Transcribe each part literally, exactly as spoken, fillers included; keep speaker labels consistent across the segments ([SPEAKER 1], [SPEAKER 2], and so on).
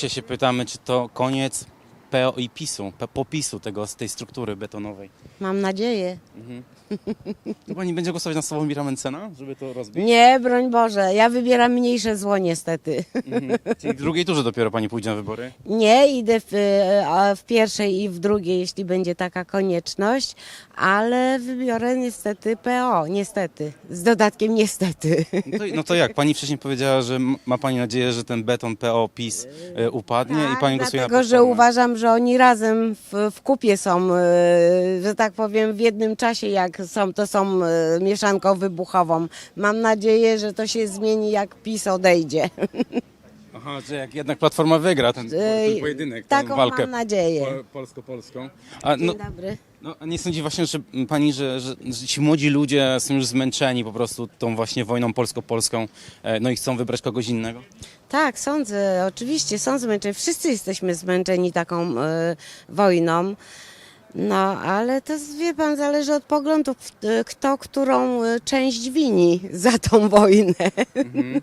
[SPEAKER 1] Dzisiaj się pytamy, czy to koniec P O i PiSu, P- popisu tego, z tej struktury betonowej.
[SPEAKER 2] Mam nadzieję.
[SPEAKER 1] Mhm. To pani będzie głosować na Sławomira Mentzena, żeby to rozbić?
[SPEAKER 2] Nie, broń Boże, ja wybieram mniejsze zło niestety.
[SPEAKER 1] Mhm. Czyli w drugiej turze dopiero pani pójdzie na wybory?
[SPEAKER 2] Nie, idę w, e, a w pierwszej i w drugiej, jeśli będzie taka konieczność, ale wybiorę niestety P O, niestety, z dodatkiem niestety.
[SPEAKER 1] No to, no to jak? Pani wcześniej powiedziała, że m- ma pani nadzieję, że ten beton P O PiS e, upadnie i pani głosuje na
[SPEAKER 2] Dlatego, że
[SPEAKER 1] Platformę.
[SPEAKER 2] uważam, że oni razem w, w kupie są, e, że tak powiem, w jednym czasie, jak są, to są e, mieszanką wybuchową. Mam nadzieję, że to się zmieni, jak PiS odejdzie.
[SPEAKER 1] Aha, że jak jednak Platforma wygra ten, ten
[SPEAKER 2] Ej,
[SPEAKER 1] pojedynek, tę
[SPEAKER 2] taką
[SPEAKER 1] walkę
[SPEAKER 2] mam nadzieję.
[SPEAKER 1] po, polsko-polską. A, no,
[SPEAKER 2] Dzień dobry.
[SPEAKER 1] no, a nie sądzi właśnie, że pani, że, że, że ci młodzi ludzie są już zmęczeni po prostu tą właśnie wojną polsko-polską, e, no i chcą wybrać kogoś innego?
[SPEAKER 2] Tak, sądzę, oczywiście są zmęczeni. Wszyscy jesteśmy zmęczeni taką e, wojną. No, ale to wie pan, zależy od poglądów, e, kto którą e, część wini za tą wojnę.
[SPEAKER 1] Mhm.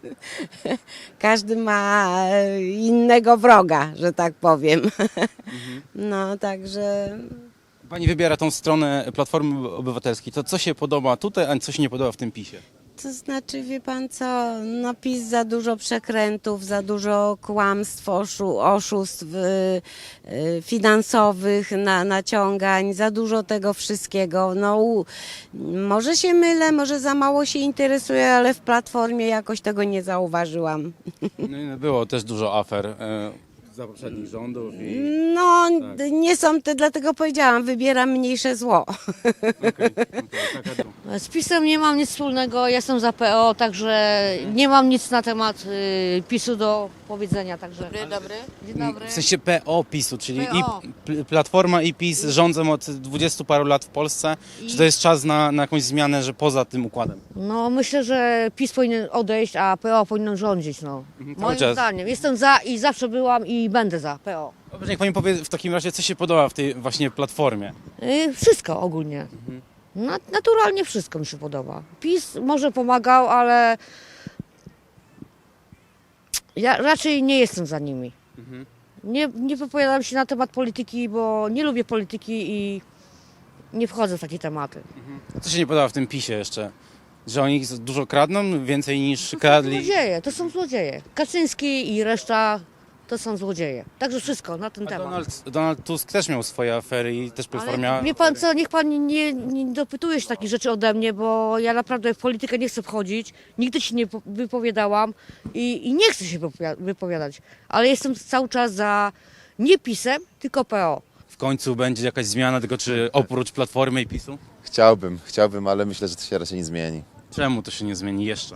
[SPEAKER 2] Każdy ma e, innego wroga, że tak powiem. No, także
[SPEAKER 1] Pani wybiera tą stronę Platformy Obywatelskiej. To co się podoba tutaj, a co się nie podoba w tym PiSie?
[SPEAKER 2] to znaczy, wie pan co, no PiS za dużo przekrętów, za dużo kłamstw, oszu, oszustw y, y, finansowych, na, naciągań, za dużo tego wszystkiego. No, u, może się mylę, może za mało się interesuję, ale w Platformie jakoś tego nie zauważyłam.
[SPEAKER 1] No, i było też dużo afer e, za poprzednich rządów i...
[SPEAKER 2] No,
[SPEAKER 1] Tak.
[SPEAKER 2] d- nie są te, dlatego powiedziałam, wybieram mniejsze zło.
[SPEAKER 1] Okej, okej, taka dru-
[SPEAKER 3] Z PiS-em nie mam nic wspólnego, jestem za P O, także nie mam nic na temat y, PiS-u do powiedzenia. Także. Dobry, dobry. Dzień dobry.
[SPEAKER 1] W sensie P O PiSu, czyli
[SPEAKER 3] P O.
[SPEAKER 1] i P- Platforma i PiS rządzą od dwudziestu paru lat w Polsce. Czy to jest czas na, na jakąś zmianę, że poza tym układem?
[SPEAKER 3] No myślę, że PiS powinien odejść, a P O powinien rządzić. No.
[SPEAKER 1] cały
[SPEAKER 3] Moim
[SPEAKER 1] czas.
[SPEAKER 3] zdaniem. Jestem za i zawsze byłam i będę za P O.
[SPEAKER 1] Dobrze, niech pani powie w takim razie, co się podoba w tej właśnie Platformie.
[SPEAKER 3] Y, wszystko ogólnie. Na, naturalnie wszystko mi się podoba. PiS może pomagał, ale ja raczej nie jestem za nimi. Nie, nie wypowiadam się na temat polityki, bo nie lubię polityki i nie wchodzę w takie tematy.
[SPEAKER 1] Co się nie podoba w tym PiSie jeszcze? Że oni dużo kradną, więcej niż
[SPEAKER 3] To są
[SPEAKER 1] kradli.
[SPEAKER 3] złodzieje, to są złodzieje. Kaczyński i reszta to są złodzieje. Także wszystko na ten
[SPEAKER 1] A
[SPEAKER 3] temat.
[SPEAKER 1] Donald, Donald Tusk też miał swoje afery i też Platforma
[SPEAKER 3] Ale
[SPEAKER 1] miała...
[SPEAKER 3] wie pan co, niech pan nie, nie dopytuje się takich rzeczy ode mnie, bo ja naprawdę w politykę nie chcę wchodzić, nigdy się nie po- wypowiadałam i, i nie chcę się wypowiada- wypowiadać, ale jestem cały czas za nie PiS-em, tylko P O.
[SPEAKER 1] W końcu będzie jakaś zmiana, tylko czy oprócz Platformy i PiSu?
[SPEAKER 4] Chciałbym, chciałbym, ale myślę, że to się raczej nie zmieni.
[SPEAKER 1] Czemu to się nie zmieni jeszcze?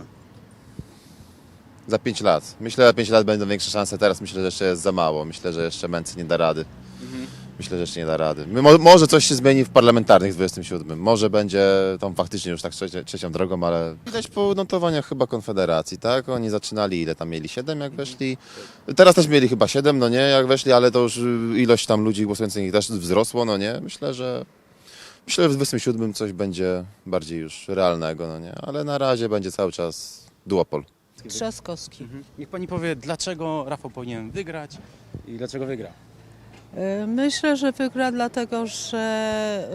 [SPEAKER 4] Za pięć lat. Myślę, że za pięć lat będą większe szanse. Teraz myślę, że jeszcze jest za mało. Myślę, że jeszcze Mency nie da rady. Myślę, że jeszcze nie da rady. My, mo, może coś się zmieni w parlamentarnych w dwudziestym siódmym. Może będzie tam faktycznie już tak trzecie, trzecią drogą, ale widać po notowaniach chyba Konfederacji, tak? Oni zaczynali, ile tam mieli? Siedem jak weszli? Teraz też mieli chyba siedem, no nie, jak weszli, ale to już ilość tam ludzi głosujących też wzrosło, no nie? Myślę, że myślę, że w dwudziestym siódmym coś będzie bardziej już realnego, no nie? Ale na razie będzie cały czas duopol.
[SPEAKER 5] Trzaskowski.
[SPEAKER 1] Niech pani powie, dlaczego Rafał powinien wygrać i dlaczego wygra?
[SPEAKER 5] Y, Myślę, że wygra dlatego, że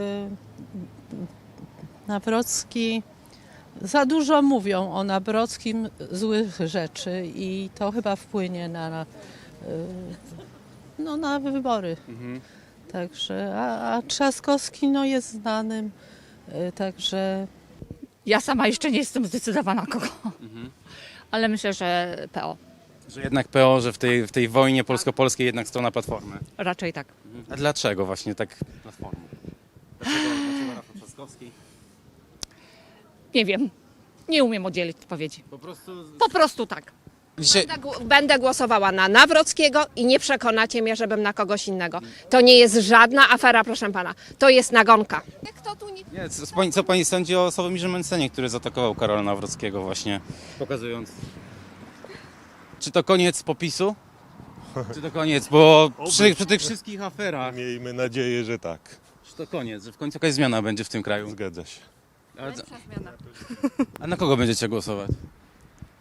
[SPEAKER 5] y, Nawrocki, za dużo mówią o Nawrockim złych rzeczy i to chyba wpłynie na, na, y, no, na wybory. Także, a, a Trzaskowski no, jest znanym, y, także
[SPEAKER 6] Ja sama jeszcze nie jestem zdecydowana kogo, ale myślę, że P O.
[SPEAKER 1] Że jednak P O, że w tej, w tej wojnie polsko-polskiej jednak strona Platformy.
[SPEAKER 6] Raczej tak.
[SPEAKER 1] A dlaczego właśnie tak Platformy? Dlaczego, dlaczego Rafał Trzaskowski?
[SPEAKER 6] Nie wiem. Nie umiem udzielić odpowiedzi.
[SPEAKER 1] Po prostu...
[SPEAKER 6] Po prostu tak.
[SPEAKER 1] Dzisiaj...
[SPEAKER 7] Będę gł- Będę głosowała na Nawrockiego i nie przekonacie mnie, żebym na kogoś innego. To nie jest żadna afera, proszę pana. To jest nagonka. Kto tu nie...
[SPEAKER 1] Nie, co, pani, co pani sądzi o Sławomirze Mentzenie, który zaatakował Karola Nawrockiego właśnie, pokazując... Czy to koniec popisu? Czy to koniec? Bo przy, przy tych wszystkich aferach,
[SPEAKER 8] Miejmy nadzieję, że tak.
[SPEAKER 1] czy to koniec, że w końcu jakaś zmiana będzie w tym kraju?
[SPEAKER 8] Zgadza się.
[SPEAKER 1] A, a na kogo będziecie głosować?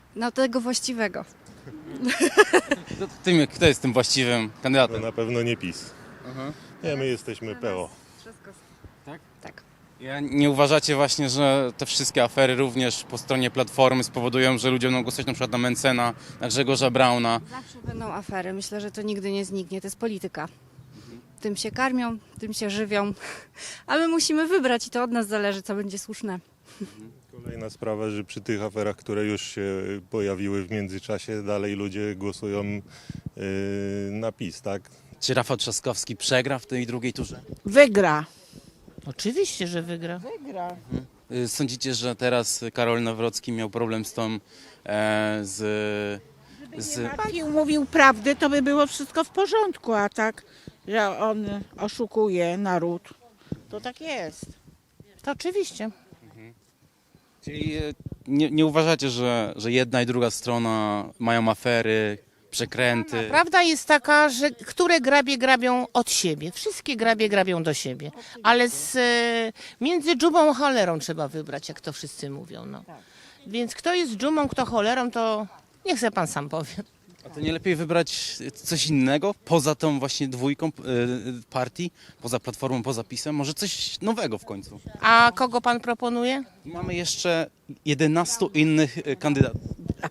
[SPEAKER 8] No tego właściwego.
[SPEAKER 1] Kto, tym, kto jest tym właściwym
[SPEAKER 9] No
[SPEAKER 1] kandydatem?
[SPEAKER 9] na pewno nie PiS.
[SPEAKER 1] Aha.
[SPEAKER 9] Nie, my jesteśmy P O.
[SPEAKER 1] Tak?
[SPEAKER 8] Tak.
[SPEAKER 1] Ja nie uważacie właśnie, że te wszystkie afery również po stronie Platformy spowodują, że ludzie będą głosować na przykład na Mencena, na Grzegorza Brauna?
[SPEAKER 8] Zawsze będą afery. Myślę, że to nigdy nie zniknie. To jest polityka. Tym się karmią, tym się żywią. A my musimy wybrać i to od nas zależy, co będzie słuszne.
[SPEAKER 9] Kolejna sprawa, że przy tych aferach, które już się pojawiły w międzyczasie, dalej ludzie głosują yy, na PiS, tak?
[SPEAKER 1] Czy Rafał Trzaskowski przegra w tej drugiej turze?
[SPEAKER 10] Wygra.
[SPEAKER 5] Oczywiście, że wygra.
[SPEAKER 10] Wygra.
[SPEAKER 1] Y, Sądzicie, że teraz Karol Nawrocki miał problem z tą, e, z, z...
[SPEAKER 10] Mówił, mówił prawdę, to by było wszystko w porządku, a tak, że on oszukuje naród, to tak jest.
[SPEAKER 5] To oczywiście.
[SPEAKER 1] Czyli e, nie, nie uważacie, że, że jedna i druga strona mają afery, przekręty?
[SPEAKER 11] Prawda jest taka, że które grabie grabią od siebie. Wszystkie grabie grabią do siebie. Ale z, e, między dżumą a cholerą trzeba wybrać, jak to wszyscy mówią. No. Więc kto jest dżumą, kto cholerą, to niech se pan sam powie.
[SPEAKER 1] A to nie lepiej wybrać coś innego, poza tą właśnie dwójką y, partii, poza Platformą, poza PiS-em? Może coś nowego w końcu?
[SPEAKER 11] A kogo pan proponuje?
[SPEAKER 1] Mamy jeszcze jedenastu innych y, kandydatów.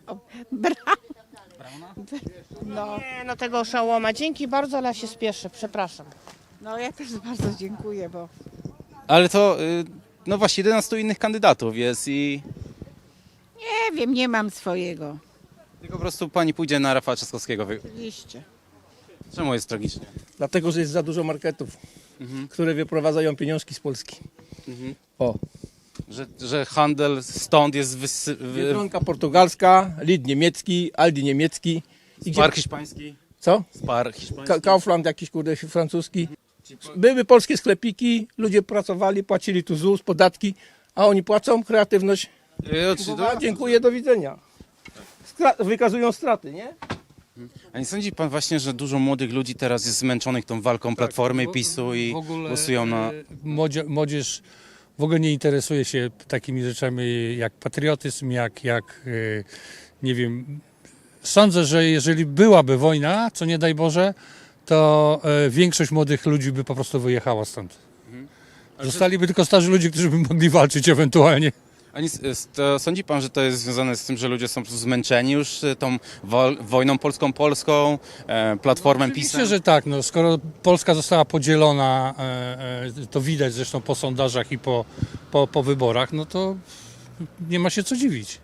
[SPEAKER 11] No. Nie, no tego oszołoma. Dzięki bardzo, ale ja się spieszę. Przepraszam.
[SPEAKER 10] No ja też bardzo dziękuję, bo
[SPEAKER 1] Ale to, y, no właśnie, jedenastu innych kandydatów jest i
[SPEAKER 10] nie wiem, nie mam swojego.
[SPEAKER 1] tylko po prostu pani pójdzie na Rafała Trzaskowskiego. Wy-
[SPEAKER 10] Oczywiście.
[SPEAKER 1] Czemu jest tragicznie?
[SPEAKER 12] Dlatego, że jest za dużo marketów, które wyprowadzają pieniążki z Polski. O,
[SPEAKER 1] Że, że handel stąd jest wysy- wy-
[SPEAKER 12] Biedronka portugalska, Lidl niemiecki, Aldi niemiecki. I
[SPEAKER 1] Spar hiszpański.
[SPEAKER 12] Co?
[SPEAKER 1] Spar hiszpański.
[SPEAKER 12] Ka- Kaufland jakiś kurde francuski. Były polskie sklepiki, ludzie pracowali, płacili tu ZUS, podatki, a oni płacą, kreatywność.
[SPEAKER 1] Y, oczy-
[SPEAKER 12] A, dziękuję, do widzenia. Skra- wykazują straty, nie?
[SPEAKER 1] A nie sądzi pan właśnie, że dużo młodych ludzi teraz jest zmęczonych tą walką Platformy i PiSu i
[SPEAKER 13] w ogóle,
[SPEAKER 1] głosują na...
[SPEAKER 13] e, młodzie- Młodzież w ogóle nie interesuje się takimi rzeczami jak patriotyzm, jak, jak e, nie wiem. Sądzę, że jeżeli byłaby wojna, co nie daj Boże, to e, większość młodych ludzi by po prostu wyjechała stąd. Zostaliby tylko starzy ludzie, którzy by mogli walczyć ewentualnie.
[SPEAKER 1] A nie, s- to sądzi pan, że to jest związane z tym, że ludzie są po prostu zmęczeni już e, tą wol- wojną polską-polską, e, Platformą,
[SPEAKER 13] Oczywiście,
[SPEAKER 1] PiSem?
[SPEAKER 13] że tak. No, skoro Polska została podzielona, e, e, to widać zresztą po sondażach i po, po, po wyborach, no to nie ma się co dziwić.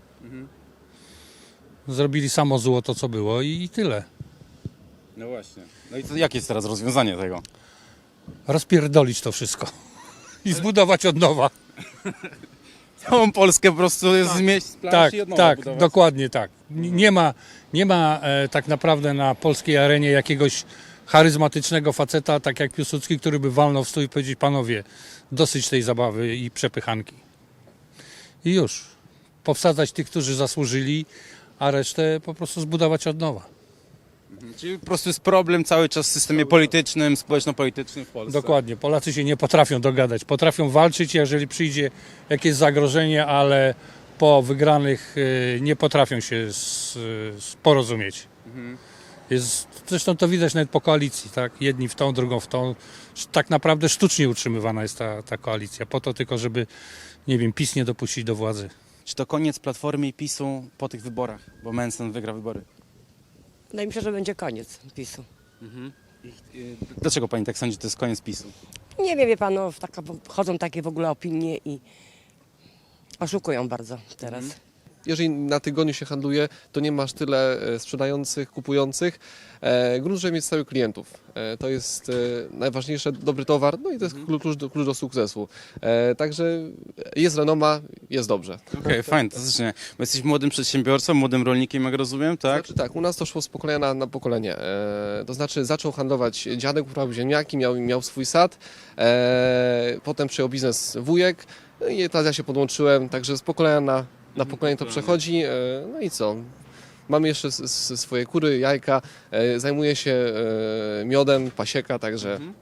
[SPEAKER 13] Zrobili samo zło to, co było i, i tyle.
[SPEAKER 1] No właśnie. No i to, jakie jest teraz rozwiązanie tego?
[SPEAKER 13] Rozpierdolić to wszystko i zbudować od nowa.
[SPEAKER 1] Całą Polskę po prostu jest zmieść z planszy
[SPEAKER 13] Tak,
[SPEAKER 1] i od nowa
[SPEAKER 13] tak,
[SPEAKER 1] budować.
[SPEAKER 13] dokładnie tak. N- Nie ma, nie ma e, tak naprawdę na polskiej arenie jakiegoś charyzmatycznego faceta, tak jak Piłsudski, który by walnął w stół i powiedzieć: panowie, dosyć tej zabawy i przepychanki. I już. Powsadzać tych, którzy zasłużyli, a resztę po prostu zbudować od nowa.
[SPEAKER 1] Czyli po prostu jest problem cały czas w systemie politycznym, społeczno-politycznym w Polsce.
[SPEAKER 13] Dokładnie. Polacy się nie potrafią dogadać. Potrafią walczyć, jeżeli przyjdzie jakieś zagrożenie, ale po wygranych y, nie potrafią się s- s- porozumieć. Jest, zresztą to widać nawet po koalicji, tak? Jedni w tą, drugą w tą. Tak naprawdę sztucznie utrzymywana jest ta, ta koalicja, po to tylko, żeby, nie wiem, PiS nie dopuścić do władzy.
[SPEAKER 1] Czy to koniec Platformy i PiSu po tych wyborach? Bo Mencen wygra wybory.
[SPEAKER 14] Wydaje mi się, że będzie koniec PiSu.
[SPEAKER 1] Y, Dlaczego pani tak sądzi, że to jest koniec PiSu?
[SPEAKER 14] Nie wiem, wie pan, no, taka, chodzą takie w ogóle opinie i oszukują bardzo teraz.
[SPEAKER 15] Jeżeli na tygodniu się handluje, to nie masz tyle e, sprzedających, kupujących. E, grunt, żeby mieć stałych klientów. E, to jest e, najważniejsze, dobry towar, no i to jest klucz do, klucz do sukcesu. E, także jest renoma, jest dobrze.
[SPEAKER 1] Okej, fantastycznie. Bo jesteś młodym przedsiębiorcą, młodym rolnikiem, jak rozumiem, tak?
[SPEAKER 15] Znaczy tak, u nas to szło z pokolenia na, na pokolenie. E, to znaczy zaczął handlować dziadek, uprawiał ziemniaki, miał, miał swój sad, e, potem przejął biznes wujek, no i teraz ja się podłączyłem, także z pokolenia na, na pokolenie to przechodzi. E, no i co? Mamy jeszcze s- s- swoje kury, jajka, e, zajmuję się e, miodem, pasieka, także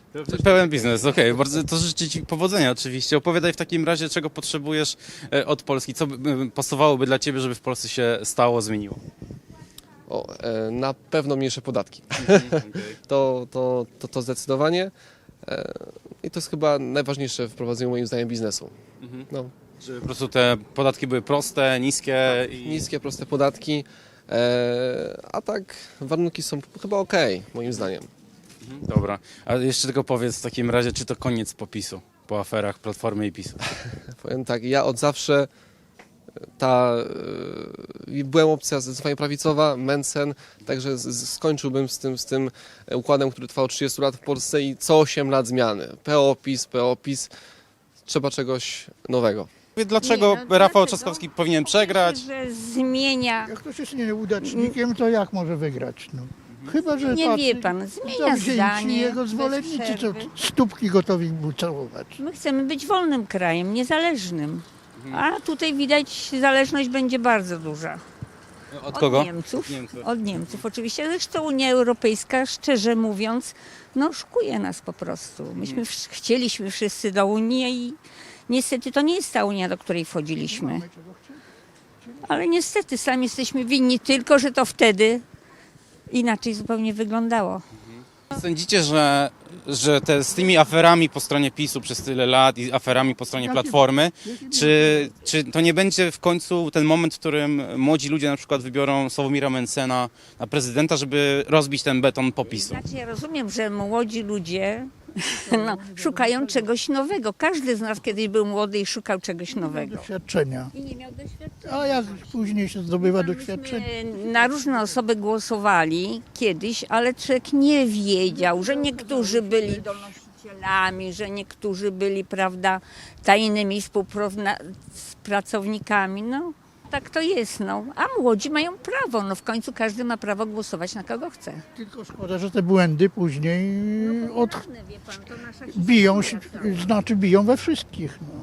[SPEAKER 1] Pełen biznes, okej. Bardzo to życzę Ci powodzenia oczywiście. Opowiadaj w takim razie, czego potrzebujesz e, od Polski. Co by- by pasowałoby dla Ciebie, żeby w Polsce się stało, zmieniło?
[SPEAKER 15] O, e, na pewno mniejsze podatki. to, to, to, to zdecydowanie. E, I to jest chyba najważniejsze w prowadzeniu moim zdaniem biznesu. No.
[SPEAKER 1] Żeby po prostu te podatki były proste, niskie i...
[SPEAKER 15] Niskie, proste podatki. E, a tak warunki są chyba okej, moim zdaniem.
[SPEAKER 1] Dobra, a jeszcze tylko powiedz w takim razie, czy to koniec popisu po aferach Platformy i PiSu?
[SPEAKER 15] Powiem tak, ja od zawsze ta, e, byłem opcja zdecydowanie prawicowa, Mencen, także z, z, skończyłbym z tym, z tym układem, który trwał trzydzieści lat w Polsce i co osiem lat zmiany. P O PiS, P O PiS, trzeba czegoś nowego.
[SPEAKER 1] Dlaczego Rafał Trzaskowski powinien przegrać?
[SPEAKER 16] Że zmienia.
[SPEAKER 17] Jak ktoś jest nieudacznikiem, to jak może wygrać? No. Chyba, że
[SPEAKER 16] Nie
[SPEAKER 17] patrzy,
[SPEAKER 16] wie pan, zmienia
[SPEAKER 17] zawzięci
[SPEAKER 16] zdanie
[SPEAKER 17] jego
[SPEAKER 16] bez
[SPEAKER 17] zwolennicy, co
[SPEAKER 16] przerwy.
[SPEAKER 17] stópki gotowi mu całować.
[SPEAKER 16] My chcemy być wolnym krajem, niezależnym. A tutaj widać, zależność będzie bardzo duża.
[SPEAKER 1] Od kogo?
[SPEAKER 16] Od Niemców.
[SPEAKER 1] Od Niemców.
[SPEAKER 16] Od Niemców, oczywiście. Zresztą Unia Europejska, szczerze mówiąc, no oszukuje nas po prostu. Myśmy wsz- chcieliśmy wszyscy do Unii i niestety to nie jest ta Unia, do której wchodziliśmy. Ale niestety sami jesteśmy winni, tylko że to wtedy inaczej zupełnie wyglądało.
[SPEAKER 1] Sądzicie, że, że te, z tymi aferami po stronie PiSu przez tyle lat i aferami po stronie Platformy, czy, czy to nie będzie w końcu ten moment, w którym młodzi ludzie na przykład wybiorą Sławomira Mencena na prezydenta, żeby rozbić ten beton po PiSu?
[SPEAKER 16] Znaczy ja rozumiem, że młodzi ludzie no, szukają czegoś nowego. Każdy z nas kiedyś był młody i szukał czegoś nowego.
[SPEAKER 17] Doświadczenia.
[SPEAKER 16] I nie miał doświadczenia.
[SPEAKER 17] A jak później się zdobywa doświadczenie?
[SPEAKER 16] Myśmy na różne osoby głosowali kiedyś, ale człowiek nie wiedział, że niektórzy byli donosicielami, że niektórzy byli, prawda, tajnymi współpracownikami. No, tak to jest, no. A młodzi mają prawo, no w końcu każdy ma prawo głosować na kogo chce.
[SPEAKER 17] Tylko szkoda, że te błędy później od...
[SPEAKER 16] Wie pan, to nasza
[SPEAKER 17] biją się, znaczy biją we wszystkich. No.